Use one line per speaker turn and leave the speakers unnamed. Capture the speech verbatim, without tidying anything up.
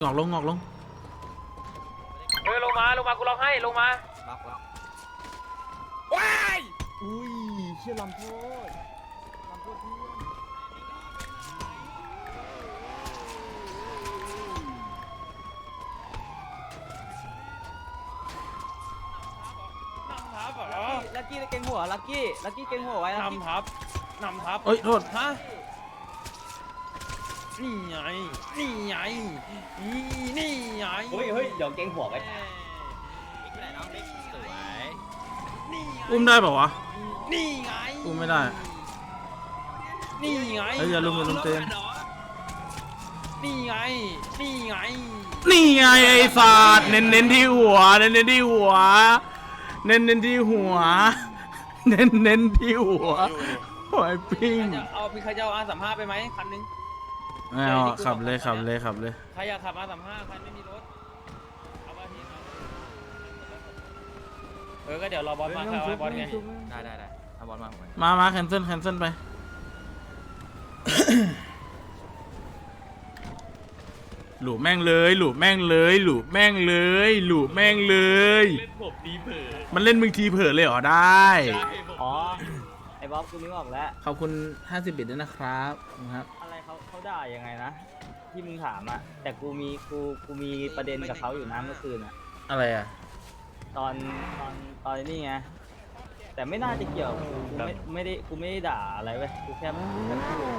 งอกลงงอกลง
เฮ้ยลงมาลงมากูร้องให้ลงมา
ล็อกล็อก
ว้าย
อุ้ยเชี่ยลำโพดลำโพดเพื่อน
นำทับเหรอ
ลักกี้เก่งหัวลักกี้ลักกี้เก่งหัวไว้ลักกี้
นำทับนำทับ
เอ้ยโทษ
ฮะนี่ไงนี่ไงนี่นี่ไง
เฮ้ยเฮ้ยเดี๋ยวเก่งหัวไว้
นี่ไง
อุ้มได้เปล่าวะ
นี่ไง
อุ้มไม่ได้
นี่ไง
เฮ้ยอย่าลุมอย่าลุมเต้น
นี่ไงนี่ไง
นี่ไงไอ้สัตว์เน้นเน้นที่หัวเน้นเน้นที่หัวเน้นเน้นที่หัวเน้นเน้นที่หัวหอยปิ้ง
จะเอาพี่ใครจะเอาอาสามห้าไปไหมคันนึง
ไม่เอาขับเลยขับเลยขับเลย
ใครอยากขับอาสามห้าใครไม่มีรถเอามาทีเอาเออก็เดี๋ยวรอบอลมาครับบอลไง
ได้ได้ได้เอาบอลมาหน่อย
มามาแคนเซิลแคนเซิลไป หลูแม่งเลยหลูแม่งเลยหลูแม่งเลยหลูแม่งเลย
เล่นผมดีเผลอ
มันเล่นมึงทีเผลอเลยเหรอได้
อ๋อไอ้บ๊อบกูนึกออกแล้ว
ขอบคุณห้าสิบบิตด้วยนะครับครับ
อะไรเขาเขาด่ายังไงนะที่มึงถามอะแต่กูมีกูกูมีประเด็นกับเขาอยู่นะเมื่อคืนอะ
อะไรอ่ะ
ตอนตอนตอนนี้ไงแต่ไม่น่าจะเกี่ยวกูไม่ไม่ได้กูไม่ได้ด่าอะไรเว้ยกูแค่